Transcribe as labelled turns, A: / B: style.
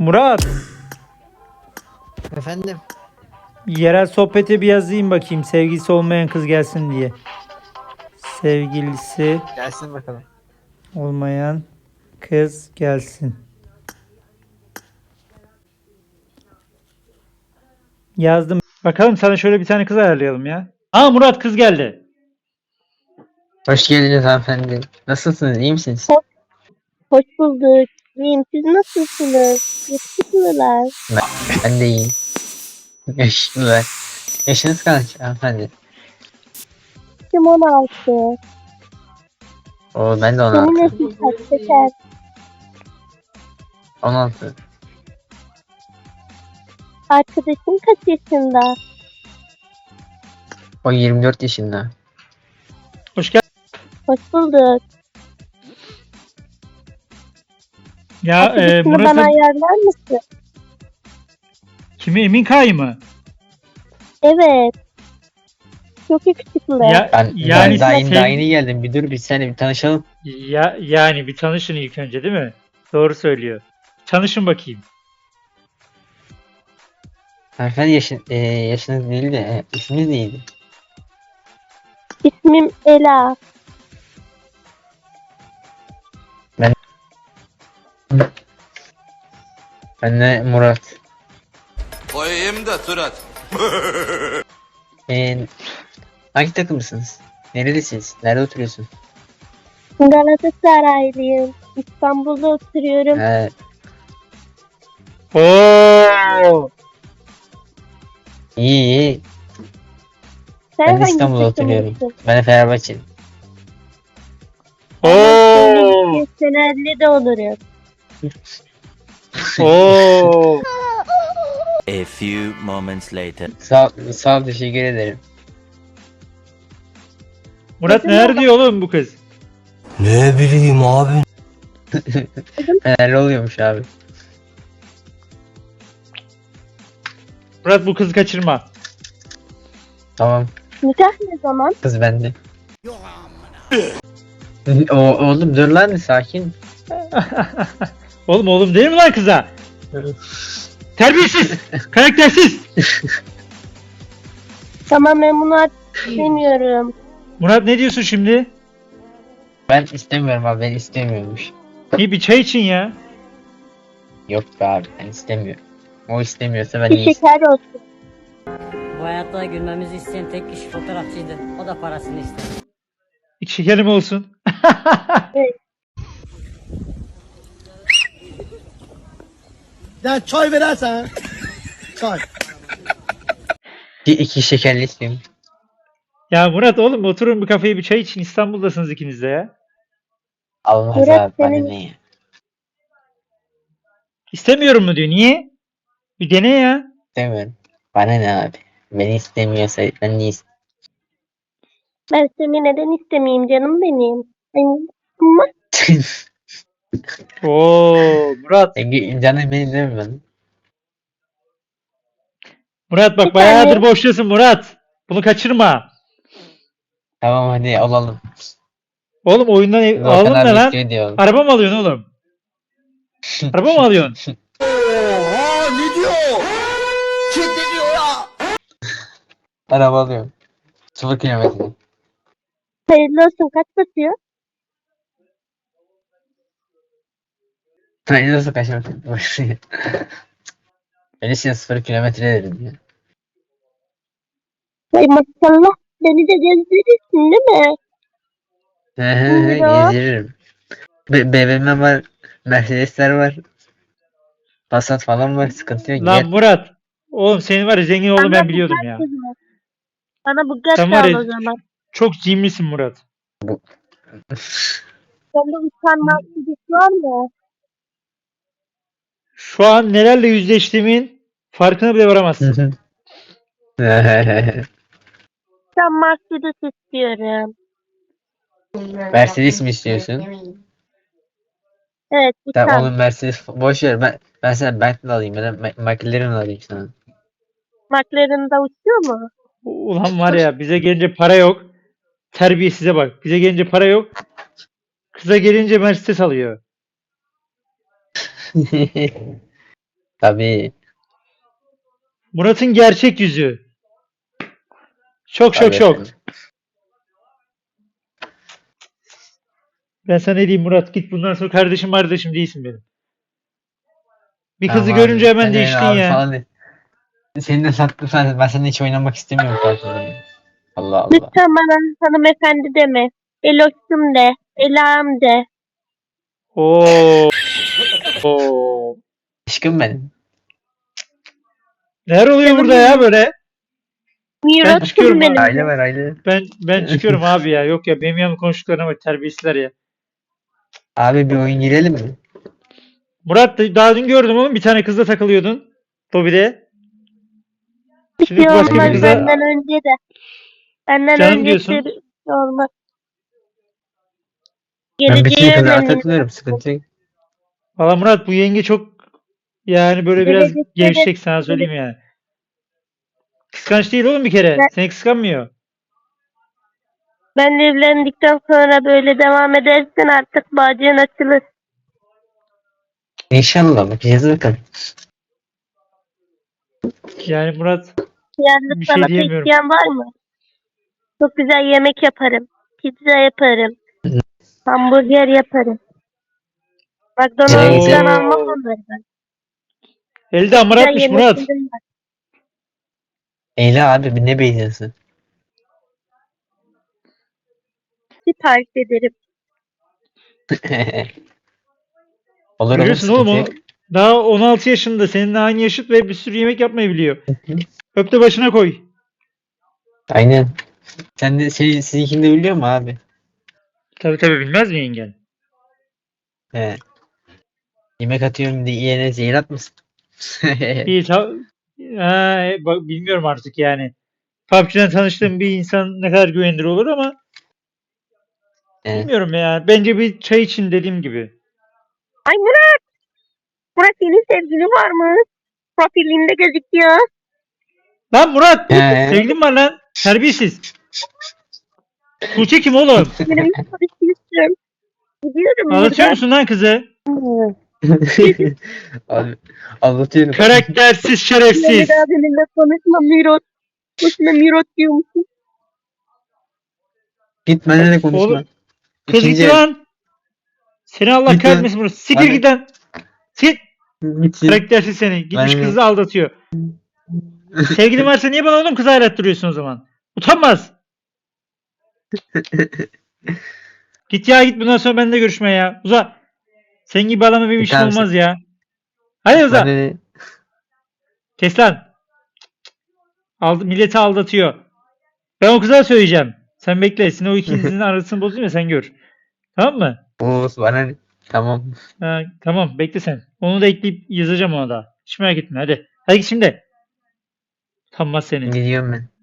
A: Murat,
B: Efendim?
A: yerel sohbete bir yazayım bakayım. Sevgilisi olmayan kız gelsin diye. Sevgilisi
B: Gelsin bakalım.
A: olmayan kız gelsin. Yazdım. Bakalım sana şöyle bir tane kız ayarlayalım ya. Aa Murat kız geldi.
B: Hoş geldiniz hanımefendi. Nasılsınız? İyi misiniz?
C: Hoş bulduk. İyiyim. Siz nasılsınız? Yakışıklılar.
B: Ben de iyiyim. Yaşlılar. Yaşınız kaç hanımefendi?
C: Yaşım 16.
B: Oo ben de
C: Senin
B: 16.
C: yaşın kaç Şeker?
B: 16.
C: Arkadaşın kaç yaşında?
B: O 24 yaşında.
A: Hoş geldin.
C: Hoş bulduk.
A: Ya
C: Arkadaşını bana
A: Murat'ın
C: ayarlar mısın?
A: kimi Emin Kay mı?
C: Evet. Çok yakışıklı.
B: Ben
A: Yani
B: daha yeni,
A: sev-
B: daha yeni geldim. Bir dur bir sene bir tanışalım.
A: yani bir tanışın ilk önce değil mi? Doğru söylüyor. Tanışın bakayım.
B: Hanımefendi yaşınız değil de isminiz neydi?
C: İsmim Ela.
B: Ben de Murat.
D: Koyayım da Turat.
B: Hangi takımlısınız? Nerelisiniz? Nerede oturuyorsun?
C: Galatasaraylıyım. İstanbul'da oturuyorum.
A: Oo!
B: İyi iyi.
C: Sen
B: Ben de
C: hangi
B: İstanbul'da oturuyorum.
C: takımlısın?
B: Ben de Fenerbahçeliyim.
A: Oo!
C: Fenerli de olurum.
A: Oo!
D: A few moments later.
B: Sağ ol teşekkür ederim.
A: Murat neler diyor oğlum bu kız?
E: Ne bileyim abi.
B: Fenerli oluyormuş abi.
A: Murat bu kızı kaçırma.
B: Tamam.
C: Nikah ne zaman?
B: Kız bende. Oğlum dur lan sakin.
A: Oğlum değil mi lan kıza? Terbiyesiz! Karaktersiz!
C: Tamam ben bunu artık istemiyorum.
A: Murat ne diyorsun şimdi?
B: Ben istemiyorum abi ben istemiyormuş.
A: İyi bir çay için ya.
B: Yok be abi ben istemiyorum. O istemiyorsa ben
C: Bir
B: iyi
C: şeker olsun.
F: Bu hayatta gülmemizi isteyen tek kişi fotoğrafçıydı. O da parasını istedi.
A: İki şekerim olsun.
E: Ya çay verersen. Çay.
B: iki şekerli istiyorum.
A: Ya Murat oğlum oturun bir kafeye bir çay için İstanbul'dasınız ikiniz de ya.
B: Olmaz
C: Murat,
B: abi bana
C: senin-
B: ne ya.
A: İstemiyorum mu diyor. Niye? Bir dene ya.
B: İstemiyorum. Bana ne abi. Beni istemiyorsa ben niye
C: Ben seni neden istemeyeyim canım benim? Ama
A: Oo Murat.
B: Canım benim değil mi ben?
A: Murat bak
C: Bir
A: bayağıdır
C: tane-
A: boşluyorsun Murat. Bunu kaçırma.
B: Tamam hadi alalım.
A: Oğlum oyundan
B: Volkan
A: aldın ne
B: abi
A: lan?
B: istiyor diyor.
A: Araba mı alıyorsun oğlum? Araba mı alıyorsun?
E: Oha ne diyor? Kim ne diyor ya?
B: Araba alıyorum. 0 kilometre.
C: hayırlı olsun kaç basıyor?
B: Ben nasıl kaçmak? Öylesine 0 kilometre dedim ya.
C: Ay maşallah beni de gezdirirsin değil mi? Ya.
B: Gezdiririm. BMW var. Mercedesler var. Passat falan var. Sıkıntı yok.
A: Lan
B: Gel.
A: Murat. Oğlum senin var ya zengin olduğunu ben
C: Bana
A: biliyordum
C: Bugatti
A: ya.
C: ver. Bana Bugatti
A: Sen var
C: al
A: ya
C: o zaman.
A: çok cimrisin Murat.
C: Sende utanmaz birisi var mı?
A: Şu an nelerle yüzleştiğimin farkına bile varamazsın.
C: Ben Mercedes istiyorum.
B: Mercedes mi istiyorsun?
C: Evet
B: Tamam
C: utan.
B: oğlum Mercedes boş ver. Ben sana Bentley alayım ya da McLaren alayım sana.
C: McLaren'da uçuyor mu?
A: Ulan var ya bize gelince para yok. Terbiyesize bak. Bize gelince para yok. Kıza gelince Mercedes alıyor.
B: Tabii.
A: Murat'ın gerçek yüzü. Şok şok
B: Tabii
A: şok.
B: efendim.
A: Ben sana ne diyeyim Murat, git bundan sonra kardeşim değilsin benim. Bir kızı
B: Tamam
A: görünce
B: abi.
A: hemen
B: Ben
A: değiştin
B: abi
A: ya.
B: falan de. Seni de sattım sen. Ben seninle hiç oynamak istemiyorum kardeşim. Allah Allah.
C: Lütfen bana hanımefendi deme. Eloş'um de. Ela'm de.
A: Oo. Oo.
B: Aşkım benim.
A: Neler oluyor burada ya böyle? çıkıyorum
C: Miroş'um
A: abi.
C: benim.
B: Aile var aile.
A: Ben çıkıyorum abi ya. Yok ya, benim yanımda konuştuklarına bak, terbiyesizler ya.
B: Abi bir oyun girelim mi?
A: Murat, daha dün gördüm oğlum, bir tane kızla takılıyordun. Lobide.
C: Bir
A: Şimdi
C: şey
A: başka bir
C: olmaz
A: kıza
C: benden önce de. Benden
A: canım
C: önce
A: diyorsun.
C: bir şey olmaz.
B: Ben bütün
C: Geleceği
B: kızlara
C: önemli.
B: takılıyorum. Sıkıntı yok.
A: Valla Murat, bu yenge çok yani böyle biraz
C: Gelecekte de-
A: gevşek, sana söyleyeyim yani. Kıskanç değil oğlum bir kere.
C: Ben-
A: Seni kıskanmıyor.
C: Ben evlendikten sonra böyle devam edersen artık bağcığın açılır.
B: İnşallah bakacağız bakalım.
A: Yani Murat,
C: Yalnız
A: bir şey
C: sanata
A: diyemiyorum.
C: isteyen var mı? Çok güzel yemek yaparım. Pizza yaparım. Hamburger yaparım. McDonald's'tan
A: Oo.
C: almam onları ben.
A: Elde hamur
C: Güzel
A: atmış Murat.
C: yemeklerim var.
B: Eyle abi ne beğeniyorsun?
C: Sipariş ederim.
B: Olur olur
A: Görüyorsun oğlum,
B: sıkıntı
A: o
B: yok.
A: daha 16 yaşında. Seninle aynı yaşıt ve bir sürü yemek yapmayı biliyor. Öp de başına koy.
B: Aynen. Sen de sizinkini de biliyor mu abi?
A: Tabii tabii, bilmez mi yengen?
B: He. Yemek atıyorum diye yiyene zehir atmasın.
A: İyi bak, bilmiyorum artık yani. PUBG'den tanıştığım bir insan ne kadar güvenilir olur ama
B: He.
A: bilmiyorum ya. Bence bir çay için, dediğim gibi.
C: Ay Murat! Murat senin sevgilin var mı? Profilinde gözüküyor.
A: Lan Murat!
B: He.
A: Sevgilim var lan. Terbiyesiz. Tuğçe kim oğlum?
C: Benim konuşmuştum. Gidiyorum
A: Anlatıyor
C: buradan.
A: musun lan kızı?
B: Abi anlatıyorum.
A: Karaktersiz,
C: Bir
A: şerefsiz.
C: daha benimle konuşma Mirot. Boşuna Mirot diyormuşsun.
B: Git benimle de konuşma.
A: Oğlum, kız
B: İkinci
A: gitti lan. Seni Allah
B: Git lan.
A: kahretmesin Murat. Sikir
B: Bana-
A: git lan. Git.
B: Gitsin.
A: Karaktersiz seni. Gitmiş
B: Bana-
A: kızı aldatıyor. Sevgilin varsa niye bana oğlum kızı ayrattırıyorsun o zaman? Utanmaz. Git ya, git, bundan sonra benimle görüşme ya. Uza. Senin gibi adamla benim işim
B: Tamam,
A: olmaz ya. Hadi uza.
B: Bana ne?
A: Kes lan. Milleti aldatıyor. Ben o kıza söyleyeceğim. Sen bekle. Senin o ikinizin arasını bozayım ya, sen gör. Tamam mı?
B: Oğuz bana ne? Tamam.
A: Ha, tamam, bekle sen. Onu da ekleyip yazacağım ona da. Hiç merak etme, hadi. Hadi git şimdi. Utanmaz seni.
B: Gidiyorum ben.